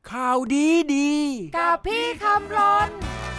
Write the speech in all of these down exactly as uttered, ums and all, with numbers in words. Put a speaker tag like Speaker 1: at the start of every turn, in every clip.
Speaker 1: ข่าวดีดี
Speaker 2: กับพี่คำรน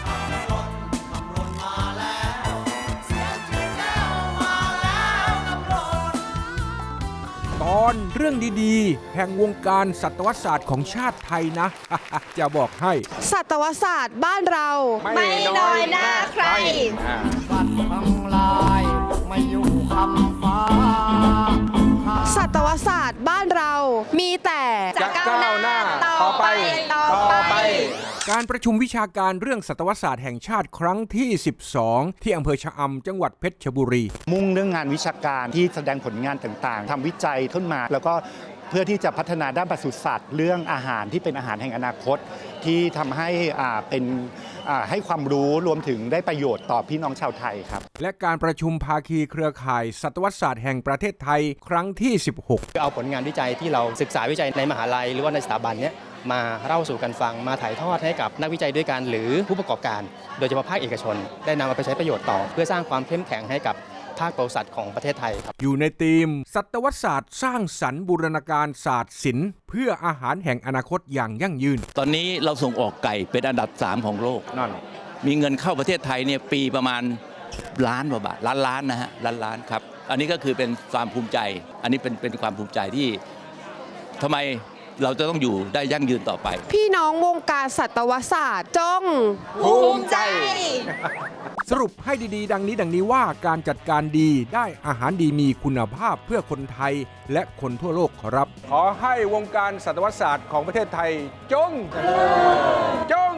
Speaker 1: ตอนเรื่องดีๆแห่งวงการสัตวศาสตร์ของชาติไทยนะ จะบอกให้
Speaker 2: สัตวศาสตร์บ้านเรา
Speaker 3: ไม่น้อยหน้าใคร
Speaker 4: สัตว์ทั้งหลายไม่อยู่คำฟ้า
Speaker 2: สัตวศาสตร์บ้านเรามีแต่
Speaker 3: จะก้าวหน้าต่อไปต่อไป
Speaker 1: การประชุมวิชาการเรื่องสัตวศาสตร์แห่งชาติครั้งที่สิบสองที่อำเภอชะอำจังหวัดเพชรบุรี
Speaker 5: มุ่งเรื่องงานวิชาการที่แสดงผลงานต่างๆทำวิจัยขึ้นมาแล้วก็เพื่อที่จะพัฒนาด้านปศุสัตว์เรื่องอาหารที่เป็นอาหารแห่งอนาคตที่ทำให้อ่าเป็นให้ความรู้รวมถึงได้ประโยชน์ต่อพี่น้องชาวไทยครับ
Speaker 1: และการประชุมภาคีเครือข่ายสัตวศาสตร์แห่งประเทศไทยครั้งที่สิบหก
Speaker 6: เอาผลงานวิจัยที่เราศึกษาวิจัยในมหาลัยหรือว่าในสถาบันเนี้ยมาเล่าสู่กันฟังมาถ่ายทอดให้กับนักวิจัยด้วยกันหรือผู้ประกอบการโดยเฉพาะภาคเอกชนได้นำมาไปใช้ประโยชน์ต่อเพื่อสร้างความเข้มแข็งให้กับภาคปศุสัตว์ของประเทศไทยครับ
Speaker 1: อยู่ในธีมสัตวศาสตร์สร้างสรรค์บูรณาการศาสตร์ศิลป์เพื่ออาหารแห่งอนาคตอย่างยั่งยืน
Speaker 7: ตอนนี้เราส่งออกไก่เป็นอันดับสามของโลกนั่นมีเงินเข้าประเทศไทยเนี่ยปีประมาณล้านกว่าบาทล้านล้านนะฮะล้านล้านครับอันนี้ก็คือเป็นความภูมิใจอันนี้เป็นเป็นความภูมิใจที่ทำไมเราจะต้องอยู่ได้ยั่งยืนต่อไป
Speaker 2: พี่น้องวงการสัตวศาสตร์จง
Speaker 3: ภูมิใจ
Speaker 1: สรุปให้ดีๆดังนี้ดังนี้ว่าการจัดการดีได้อาหารดีมีคุณภาพเพื่อคนไทยและคนทั่วโลกครับขอให้วงการสัตวศาสตร์ของประเทศไทยจงจง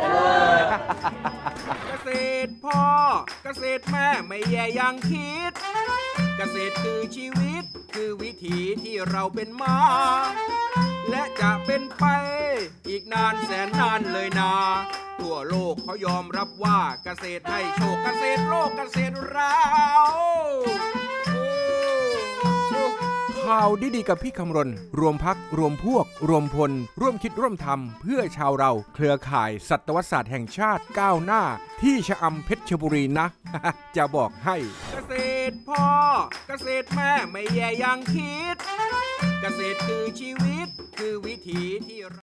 Speaker 1: เกษตรพ่อเกษตรแม่ไม่แย่ยังคิดเกษตรคือชีวิตคือวิถีที่เราเป็นมาและจะเป็นไปอีกนานแสนนานเลยนาทั่วโลกเขายอมรับว่าเกษตรให้โชคเกษตรโลกเกษตรเราข่าวดีๆกับพี่คำรณรวมพักรวมพวกรวมพลร่วมคิดร่วมทำเพื่อชาวเราเครือข่ายสัตวศาสตร์แห่งชาติก้าวหน้าที่ชะอำเพชรบุรีนะ จะบอกให้เกษตรพ่อเกษตรแม่ไม่แย่ยังคิดเกษตรคือชีวิตคือวิถีที่